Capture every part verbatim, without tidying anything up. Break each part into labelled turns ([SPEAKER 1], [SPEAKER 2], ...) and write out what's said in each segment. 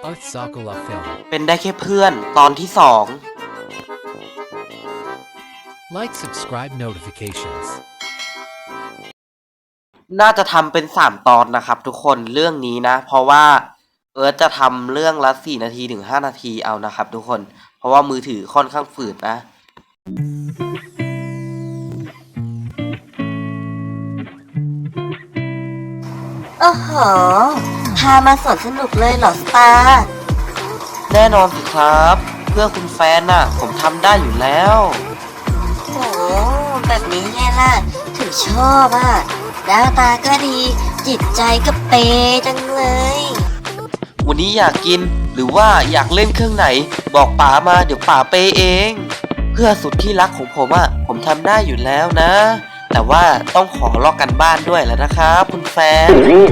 [SPEAKER 1] At Sakura Film
[SPEAKER 2] เป็นได้แค่เพื่อนตอนที่สอง
[SPEAKER 1] Like subscribe notifications
[SPEAKER 2] น่าจะทำเป็นสามตอนนะครับทุกคนเรื่องนี้นะเพราะว่าเอิร์ธจะทำเรื่องละสี่นาทีถึงห้านาทีเอานะครับทุกคนเพราะว่ามือถือค่อนข้างฝืดนะ
[SPEAKER 3] โอ้โหพามาสวนสนุกเลยเหรอสตาร์
[SPEAKER 2] แน่นอนสิครับเพื่อคุณแฟนน่ะผมทำได้อยู่แล้ว
[SPEAKER 3] โอ้แบบนี้ไงล่ะถึงชอบอ่ะหน้าตาก็ดีจิตใจก็เปจังเลย
[SPEAKER 2] วันนี้อยากกินหรือว่าอยากเล่นเครื่องไหนบอกป๋ามาเดี๋ยวป๋าเปเองเพื่อสุดที่รักของผมอ่ะผมทำได้อยู่แล้วนะแต่ว่าต้องขอลอกกันบ้านด้วยแล้วนะครับคุณแฟน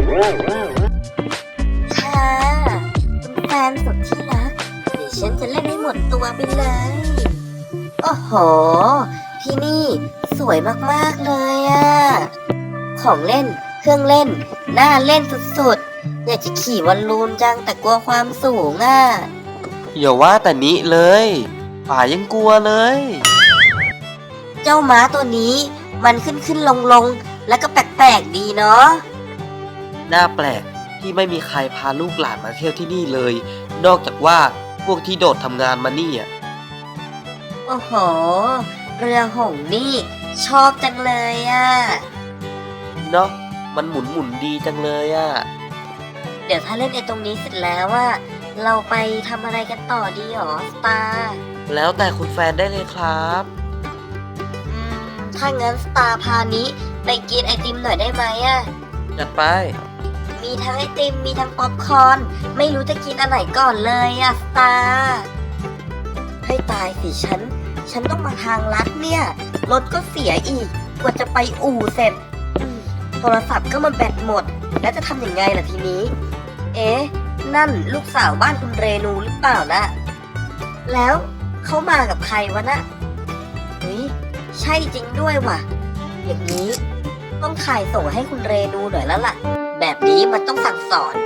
[SPEAKER 3] ค่ะคุณแฟนสุดที่รักเดี๋ยวฉันจะเล่นให้หมดตัวไปเลยโอ้โหที่นี่สวยมากๆเลยอ่ะของเล่นเครื่องเล่นน่าเล่นสุดๆอยากจะขี่บอลลูนจังแต่กลัวความสูงอ่ะ
[SPEAKER 2] อย่าว่าแต่นี้เลยป๋ายังกลัวเลย
[SPEAKER 3] เจ้าม้าตัวนี้มันขึ้นขึ้นลงลงแล้วก็แปลกๆดีเนาะ
[SPEAKER 2] น่าแปลกที่ไม่มีใครพาลูกหลานมาเที่ยวที่นี่เลยนอกจากว่าพวกที่โดดทำงานมานี่อ่ะ
[SPEAKER 3] โอ้โหเรือหงส์นี่ชอบจังเลยอ่ะ
[SPEAKER 2] เนาะมันหมุนหมุนดีจังเลยอ่ะ
[SPEAKER 3] เดี๋ยวถ้าเล่นไอ้ตรงนี้เสร็จแล้วว่าเราไปทำอะไรกันต่อดีหรอสตาร์
[SPEAKER 2] แล้วแต่คุณแฟนได้เลยครับ
[SPEAKER 3] อืมถ้างั้นสตาร์พานี้ไปกินไอติมหน่อยได้ไหมอ่ะ
[SPEAKER 2] จัดไป
[SPEAKER 3] มีทั้งไอติมมีทั้งป๊อปคอร์นไม่รู้จะกินอันไหนก่อนเลยอ่ะสตาร์ให้ตายสิฉันฉันต้องมาทางลัดเนี่ยรถก็เสียอีกกว่าจะไปอู่เสร็จโทรศัพท์ก็มันแบตหมดแล้วจะทำยังไงล่ะทีนี้เอ๊ะนั่นลูกสาวบ้านคุณเรนูหรือเปล่านะแล้วเขามากับใครวะนะเฮ้ยใช่จริงด้วยว่ะอย่างนี้ต้องถ่ายส่งให้คุณเรนูหน่อยแล้วล่ะแบบนี้มันต้องสั่งสอน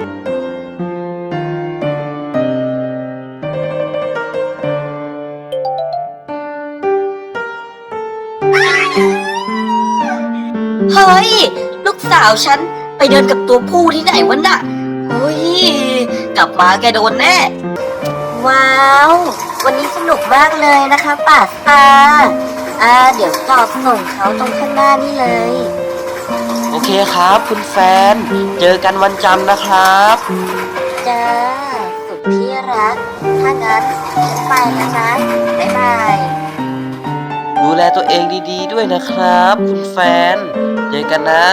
[SPEAKER 3] เฮ้ยลูกสาวฉันไปเดินกับตัวผู้ที่ไหนวะน่ะเฮ้ยกลับมาแกโดนแน่ว้าววันนี้สนุกมากเลยนะคะป่าสตาร์อ่าเดี๋ยวจอดส่งเขาตรงข้างหน้านี่เลย
[SPEAKER 2] โอเคครับคุณแฟนเจอกันวันจันทร์นะครับ
[SPEAKER 3] จ้าสุดที่รักถ้างั้นฉันไปแล้วนะบ๊ายบาย
[SPEAKER 2] ดูแลตัวเองดีๆด้วยนะครับคุณแฟนเจอกันนะ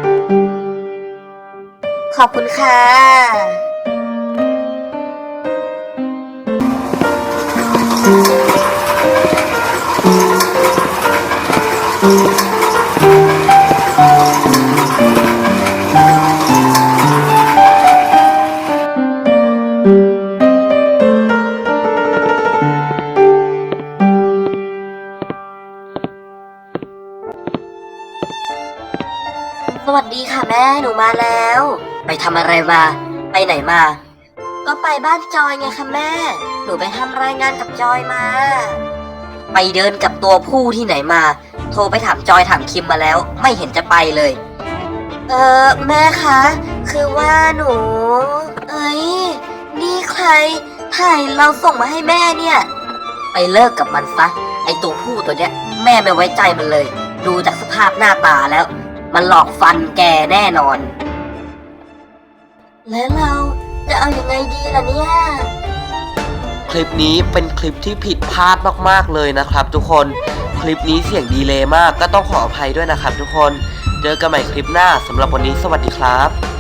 [SPEAKER 3] ขอบคุณค่ะสวัสดีค่ะแม่หนูมาแล้วไปทำอะไรมาไปไหนมาก็ไปบ้านจอยไงคะแม่หนูไปทำรายงานกับจอยมาไปเดินกับตัวผู้ที่ไหนมาโทรไปถามจอยถามคิมมาแล้วไม่เห็นจะไปเลยเออแม่คะคือว่าหนูเอ้ยนี่ใครถ่ายเราส่งมาให้แม่เนี่ยไปเลิกกับมันซะไอตัวผู้ตัวเนี้ยแม่ไม่ไว้ใจมันเลยดูจากสภาพหน้าตาแล้วมันหลอกฟันแกแน่นอนแล้วเราจะเอาอยัางไงดีล่ะเนี่ย
[SPEAKER 2] คลิปนี้เป็นคลิปที่ผิดพลาดมากๆเลยนะครับทุกคนคลิปนี้เสียงดีเลย์มากก็ต้องขออภัยด้วยนะครับทุกคนเจอกันใหม่คลิปหน้าสำหรับวันนี้สวัสดีครับ